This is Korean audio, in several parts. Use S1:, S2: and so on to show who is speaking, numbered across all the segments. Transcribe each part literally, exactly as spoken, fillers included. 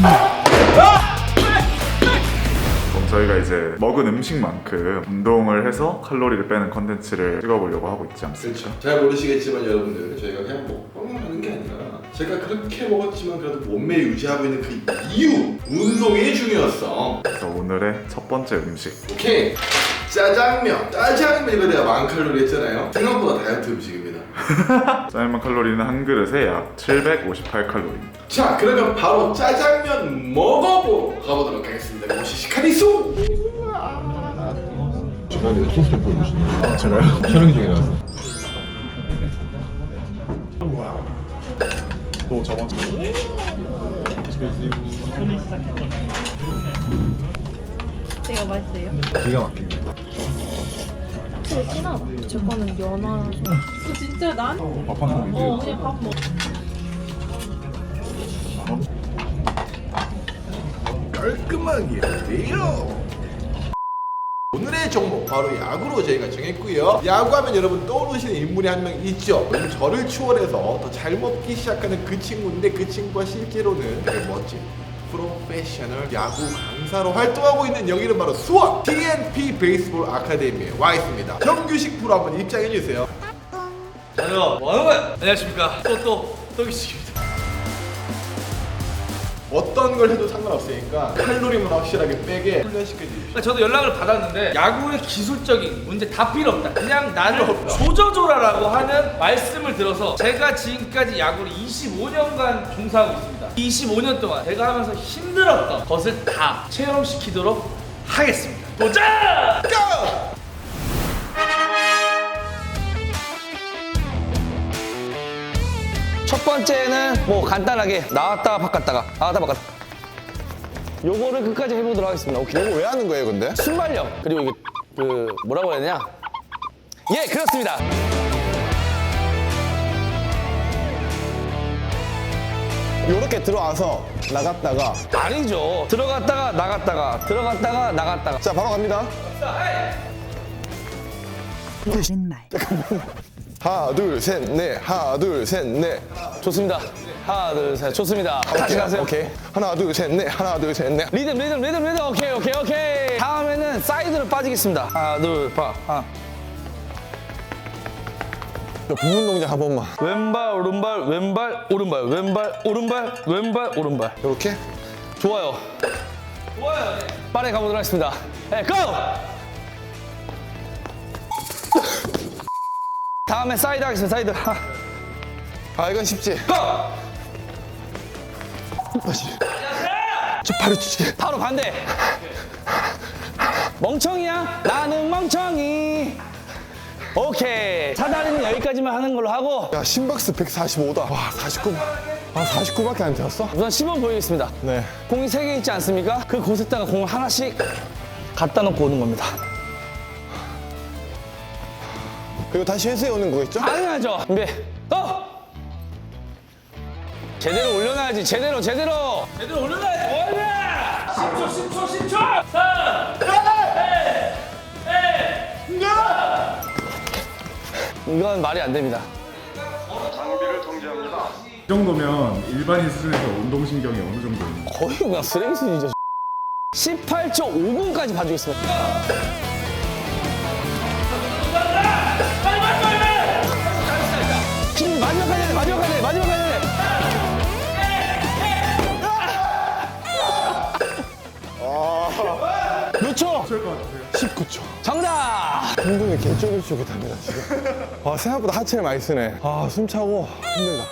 S1: 저희가 이제 먹은 음식만큼 운동을 해서 칼로리를 빼는 컨텐츠를 찍어보려고 하고 있지 않습니까?
S2: 그렇죠. 잘 모르시겠지만 여러분들, 저희가 그냥 먹방을 하는 게 아니라 제가 그렇게 먹었지만 그래도 몸매 유지하고 있는 그 이유, 운동의 중요성.
S1: 그래서 오늘의 첫 번째 음식,
S2: 오케이, 짜장면. 짜장면 이거 내가 만 칼로리 했잖아요. 생각보다 다이어트 음식입니다.
S1: 짜장면 칼로리는 한 그릇에 약 칠백오십팔 칼로리입니다.
S2: 자, 그러면 바로 짜장면 먹어보러 가보도록 하겠습니다. 모시시카리소.
S3: 중간에 소스 좀 보여주시네요.
S1: 아, 제가요?
S3: 촬영 중이라서.
S1: 또 저번
S4: 되게 맛있어요.
S3: 기가 막히네.
S4: 되게 진하다. 제 거는 연어라서. 어, 진짜 난?
S1: 밥한 공기.
S4: 어, 그냥 밥 먹.
S2: 깔끔하게 돼요. 오늘의 종목 바로 야구로 저희가 정했고요. 야구하면 여러분 떠오르시는 인물이 한 명 있죠. 요즘 저를 추월해서 더 잘 먹기 시작하는 그 친구인데, 그 친구가 실제로는 되게 멋진 프로페셔널 야구 강사로 활동하고 있는, 여기는 바로 수원 티엔피 베이스볼 아카데미에 와 있습니다. 정규식 프로 한번 입장해 주세요.
S5: 자요, 뭐하는 거야? 안녕하십니까. 또또 또기식입니다.
S2: 어떤 걸 해도 상관없으니까 칼로리만 확실하게 빼게 훈련시켜 주십시오.
S5: 그러니까 저도 연락을 받았는데 야구의 기술적인 문제 다 필요 없다. 그냥 나를 조져줘라라고 하는 말씀을 들어서 제가 지금까지 야구를 이십오 년간 종사하고 있습니다. 이십오 년 동안 제가 하면서 힘들었던 것을 다 체험시키도록 하겠습니다. 도전!
S2: 고!
S6: 첫 번째는 뭐 간단하게 나왔다가 바꿨다가 나왔다 바꿨다. 요거를 끝까지 해보도록 하겠습니다. 오케이.
S3: 이거 왜 하는 거예요, 근데?
S6: 순발력 그리고 이게 그 뭐라고 해야 되냐? 예, 그렇습니다.
S3: 요렇게 들어와서 나갔다가.
S6: 아니죠. 들어갔다가 나갔다가 들어갔다가 나갔다가.
S3: 자, 바로 갑니다.
S7: 거짓말.
S3: 하나, 둘, 셋, 넷. 하나, 둘, 셋, 넷.
S6: 좋습니다. 하나, 둘, 셋. 좋습니다. 다시 가세요.
S3: 오케이. 하나, 둘, 셋, 넷. 하나, 둘, 셋, 넷.
S6: 리듬, 리듬, 리듬, 리듬. 오케이, 오케이, 오케이. 다음에는 사이드로 빠지겠습니다. 하나, 둘, 파. 하나.
S3: 저 부분 동작 한 번만.
S6: 왼발, 오른발, 왼발, 오른발, 왼발, 오른발, 왼발, 오른발.
S3: 요렇게.
S6: 좋아요.
S5: 좋아요. 네.
S6: 빠르게 가보도록 하겠습니다. 네, 고! 다음에 사이드 하겠습니다. 사이드. 하.
S3: 아, 이건 쉽지.
S6: 고!
S3: 다시. 저 바로 주지.
S6: 바로 반대. 멍청이야? 나는 멍청이. 오케이. 사다리는 여기까지만 하는 걸로 하고
S3: 야, 심박수 백사십오다. 와, 사십구. 아, 사십구밖에 안 되었어?
S6: 우선 시범 보이겠습니다.
S3: 네.
S6: 공이 세 개 있지 않습니까? 그 곳에다가 공을 하나씩 갖다 놓고 오는 겁니다.
S3: 그리고 다시 회수해 오는 거겠죠?
S6: 당연하죠. 준비. 또! 제대로 올려놔야지. 제대로 제대로.
S5: 제대로 올려놔야지. 뭐하냐? 십 초, 십 초, 십 초. 삼, 이, 일.
S6: 이건 말이 안 됩니다.
S1: 이 정도면 일반인 수준에서 운동신경이 어느 정도 있는 거예요?
S6: 거의 그냥 쓰레기 수준이죠. 십팔 초 오 분까지 봐주겠습니다. 지금 마지막 가야 돼, 마지막 가야 돼, 마지막 가야 돼. 몇 초?
S3: 십구 초.
S6: 정답!
S3: 운동이 개쫄깃쫄깃합니다, 지금. 아, 생각보다 하체를 많이 쓰네. 아, 숨 차고 힘들다.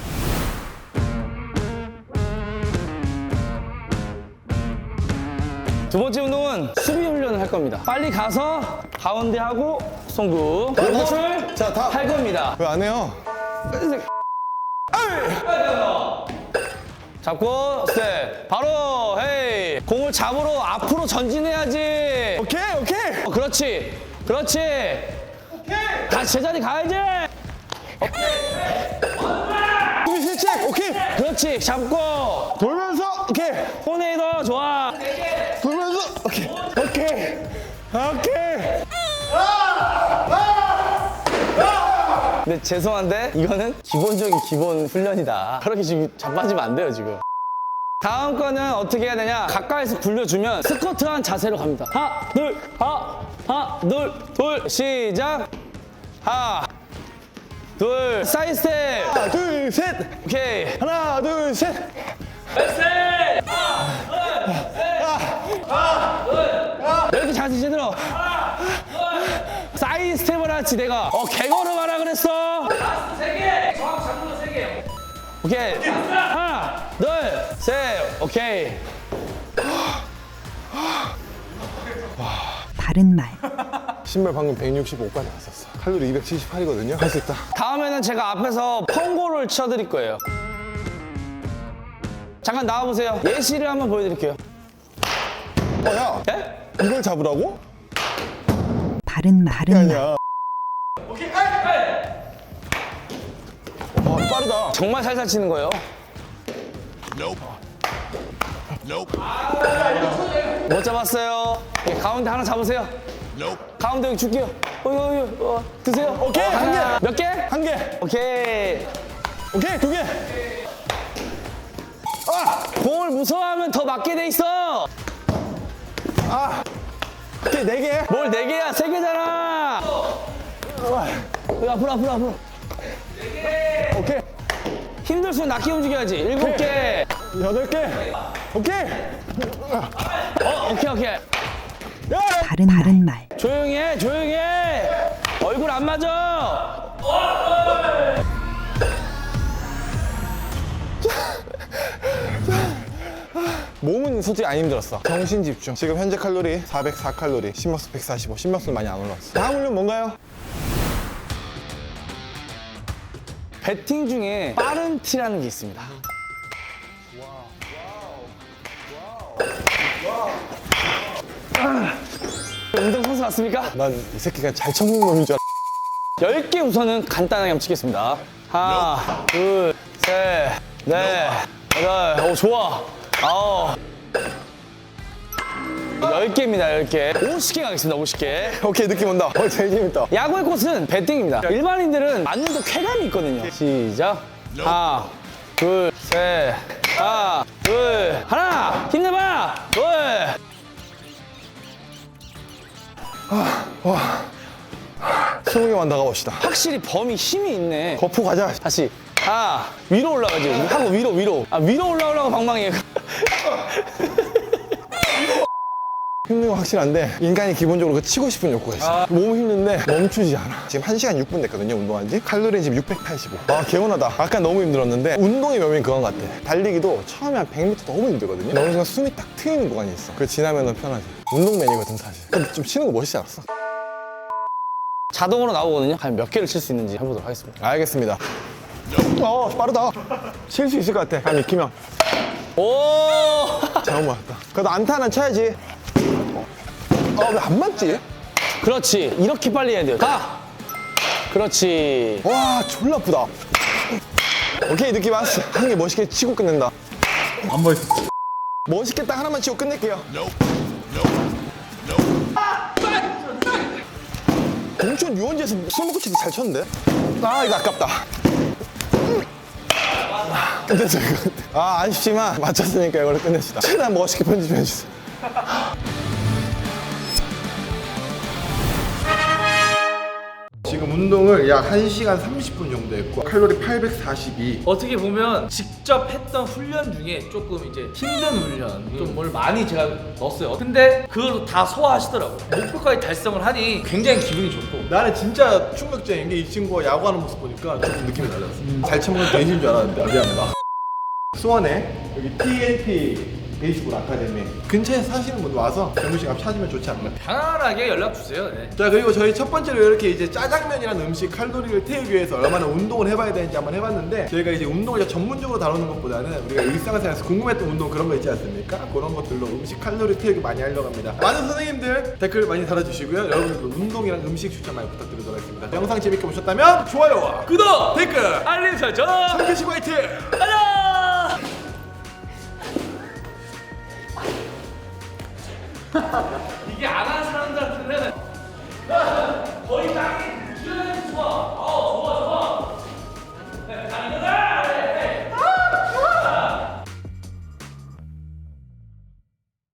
S6: 두 번째 운동은 수비 훈련을 할 겁니다. 빨리 가서 가운데 하고 송구. 이것을
S3: 자, 다.
S6: 할 겁니다.
S3: 왜 안 해요?
S6: 잡고 스텝. 바로 헤이. 공을 잡으러 앞으로 전진해야지.
S3: 오케이, 오케이.
S6: 어, 그렇지. 그렇지. 오케이. 다시 제자리 가야지.
S3: 수비 실책, 오케이.
S6: 그렇지. 잡고.
S3: 돌면서, 오케이.
S6: 토네이도 좋아.
S3: 돌면서, 오케이. 오케이. 오케이.
S6: 근데 죄송한데 이거는 기본적인 기본 훈련이다. 그렇게 지금 자빠지면 안 돼요 지금. 다음 거는 어떻게 해야 되냐? 가까이서 굴려주면 스쿼트한 자세로 갑니다. 하나, 둘, 하나, 하나, 둘, 둘, 시작. 하나, 둘, 사이드 스텝.
S3: 하나, 둘, 셋.
S6: 오케이.
S3: 하나, 둘, 셋.
S6: 이렇게 자세 제대로. 사이드 스텝을 하지 내가. 어, 개걸음 하라 그랬어.
S5: 라스트 세 개. 정확 잡는 거세 개.
S6: 오케이. 하나, 둘, 셋. 오케이.
S7: 바른 말.
S3: 신발 방금 백육십오까지 갔었어. 칼로리 이백칠십팔이거든요. 할 수 있다.
S6: 다음에는 제가 앞에서 펑고를 쳐드릴 거예요. 잠깐 나와보세요. 예시를 한번 보여드릴게요.
S3: 어, 야.
S6: 예?
S3: 이걸 잡으라고?
S7: 바른 말. 바른 말.
S3: 아니야. 와, 빠르다.
S6: 정말 살살 치는 거예요. 못 잡았어요. 예, 가운데 하나 잡으세요. 가운데 여기 줄게요. 어, 어, 어, 어, 드세요.
S3: 오케이, 한 개.
S6: 몇 개?
S3: 한 개.
S6: 오케이.
S3: 오케이, 두 개.
S6: 공을 무서워하면 더 맞게 돼 있어.
S3: 오케이, 네 개.
S6: 뭘 네 개야? 세 개잖아. 여기 앞으로 앞으로 앞으로.
S3: 오케이.
S6: 힘들수록 낮게 움직여야지. 일곱 개.
S3: 여덟 개. 오케이.
S6: 어, 오케이 오케이.
S7: 바른 바른 말.
S6: 조용히 해, 조용히 해. 얼굴 안 맞아.
S3: 몸은 솔직히 안 힘들었어. 정신 집중. 지금 현재 칼로리 사백사 칼로리, 심박수 백사십오. 심박수 많이 안 올라왔어. 다음 훈련 뭔가요?
S6: 배팅 중에 빠른 티라는 게 있습니다. 운동선수 맞습니까?
S3: 난 이 새끼가 잘 쳐먹는 놈인 줄 알아.
S6: 열 개 우선은 간단하게 한번 치겠습니다. 하나, 둘, 셋, 넷, 여덟, 오, 좋아. 아홉. 열 개입니다, 열 개. 오십 개 가겠습니다, 오십 개.
S3: 오케이, 느낌 온다. 어, 제일 재밌다.
S6: 야구의 꽃은 배팅입니다. 일반인들은 맞는 데 쾌감이 있거든요. 시작. 하나, 둘, 셋, 하나, 둘, 하나, 힘내봐, 둘.
S3: 스무 개만 더 가봅시다.
S6: 확실히 범이 힘이 있네.
S3: 거푸 가자.
S6: 다시. 하나, 위로 올라가지. 하고 위로, 위로. 아, 위로 올라오려고 방망이에요.
S3: 힘든 건 확실한데 인간이 기본적으로 그 치고 싶은 욕구가 있어. 몸은 힘든데 멈추지 않아. 지금 한 시간 육 분 됐거든요, 운동한 지. 칼로리는 지금 육백팔십오. 아, 개운하다. 아까 너무 힘들었는데 운동의 묘미는 그건 같아. 달리기도 처음에 한 백 미터 너무 힘들거든요. 어느 순간 숨이 딱 트이는 구간이 있어. 그걸 지나면은 편하지. 운동맨이거든, 사실. 근데 좀 치는 거 멋있지 않았어?
S6: 자동으로 나오거든요. 과연 몇 개를 칠 수 있는지 해보도록 하겠습니다.
S3: 알겠습니다. 어, 빠르다. 칠 수 있을 것 같아. 감 익히면.
S6: 오!
S3: 잘못 맞았다. 그래도 안타 하나 쳐야지. 아, 왜 안 맞지?
S6: 그렇지. 이렇게 빨리 해야 돼요. 가! 그렇지.
S3: 와, 졸라 아프다. 오케이, 느낌 왔어. 한 개 멋있게 치고 끝낸다.
S1: 안 멋있어.
S3: 멋있게 딱 하나만 치고 끝낼게요. 공천 유원지에서 술 먹고 치도 잘 쳤는데? 아, 이거 아깝다. 끝냈어, 이거. 아, 아쉽지만 맞췄으니까 이걸로 끝냅시다. 최대한 멋있게 편집해주세요.
S2: 지금 운동을 약 한 시간 삼십 분 정도 했고 칼로리 팔백사십이.
S5: 어떻게 보면 직접 했던 훈련 중에 조금 이제 힘든 훈련 좀 뭘 많이 제가 넣었어요. 근데 그걸 다 소화하시더라고요. 목표까지 달성을 하니 굉장히 기분이 좋고.
S2: 나는 진짜 충격적인 게 이 친구가 야구하는 모습 보니까 조금 느낌이 달랐어. 잘 쳐먹는 대신인 줄 알았는데. 아, 미안합니다. 수원에 여기 티엔티 베이스볼 아카데미 근처에 사시는 분 와서 병무식 앞 찾으면 좋지 않나.
S5: 편안하게 연락 주세요. 네.
S2: 자, 그리고 저희 첫 번째로 이렇게 이제 짜장면이라는 음식 칼로리를 태우기 위해서 얼마나 운동을 해봐야 되는지 한번 해봤는데, 저희가 이제 운동을 전문적으로 다루는 것보다는 우리가 일상생활에서 궁금했던 운동 그런 거 있지 않습니까? 그런 것들로 음식 칼로리 태우기 많이 하려고 합니다. 많은 선생님들 댓글 많이 달아주시고요. 여러분들도 운동이랑 음식 추천 많이 부탁드리도록 하겠습니다. 영상 재밌게 보셨다면 좋아요와
S5: 구독!
S2: 댓글
S5: 알림 설정!
S2: 참깨식 화이팅!
S5: 가자! 이게 안